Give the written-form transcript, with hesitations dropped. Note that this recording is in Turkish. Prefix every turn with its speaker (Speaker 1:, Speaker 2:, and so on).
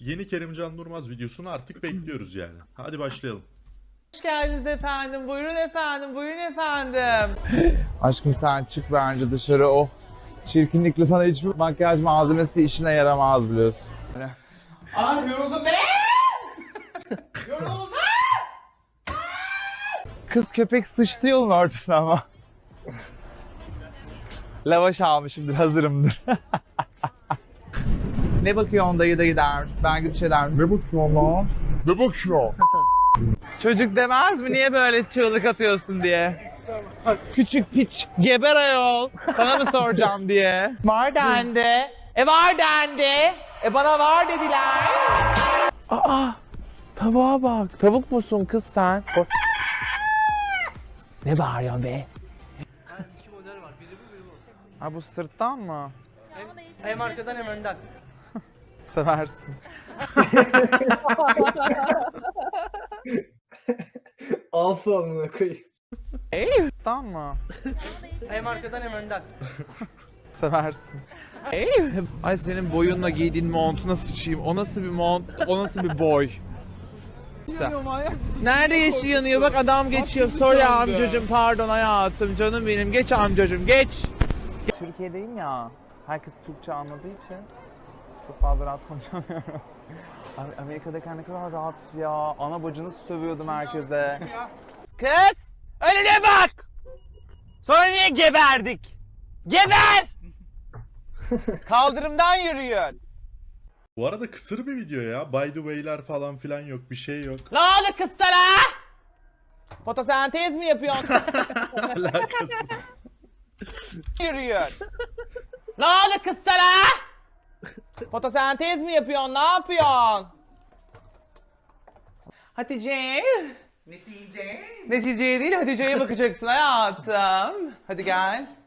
Speaker 1: yeni Kerimcan Durmaz videosunu artık bekliyoruz yani. Hadi başlayalım.
Speaker 2: Hoş geldiniz efendim. Buyurun efendim. Buyurun efendim.
Speaker 3: Aşkım sen çık bence dışarı, o çirkinlikle sana hiçbir makyaj malzemesi işine yaramaz biliyorsun.
Speaker 2: Ay yoruldum be! Yoruldum!
Speaker 3: Kız köpek sıçtı yolun ortasına ama. Lavaş almışımdır, hazırımdır. Ne bakıyorsun dayı dayı der. Ben gidip şey derim. Ne bakıyorsun lan? Ne bakıyorsun? Çocuk demez mi niye böyle çığlık atıyorsun diye? Küçük piç geber ayol. Sana mı soracağım diye.
Speaker 2: Var dendi. Var dendi. Bana var dediler.
Speaker 3: Aa, tavuğa bak. Tavuk musun kız sen? Ne bağırıyorsun be?
Speaker 4: İki model var. Biri bu, biri bu.
Speaker 3: Ha bu sırttan mı?
Speaker 4: Hem arkadan hem önden.
Speaker 3: Seversin.
Speaker 5: Alfa amına koyayım.
Speaker 3: Sırttan mı?
Speaker 4: Hem arkadan hem önden.
Speaker 3: Seversin. Ay senin boyunla giydiğin montuna sıçayım. O nasıl bir mont? O nasıl bir boy? Nerede yeşil yanıyor? Bak adam geçiyor. Sorry amcacım, pardon hayatım, canım benim. Geç amcacım, geç. Türkiye'deyim ya. Herkes Türkçe anladığı için çok fazla rahat konuşamıyorum. Amerika'dayken ne kadar rahat ya. Ana bacını sövüyordum herkese.
Speaker 2: Kız! Önüne bak! Sonra niye geberdik? Geber! Kaldırımdan yürüyün.
Speaker 1: Bu arada kısır bir video ya. By the way'ler falan filan yok. Bir şey yok.
Speaker 2: Ne oldu kız sana? Fotosentez mi yapıyorsun?
Speaker 1: Alakasız.
Speaker 2: Yürüyün. Ne oldu kız sana? Fotosentez mi yapıyorsun? Ne yapıyorsun? Hatice. Netice değil, Hatice'ye bakacaksın hayatım. Hadi gel.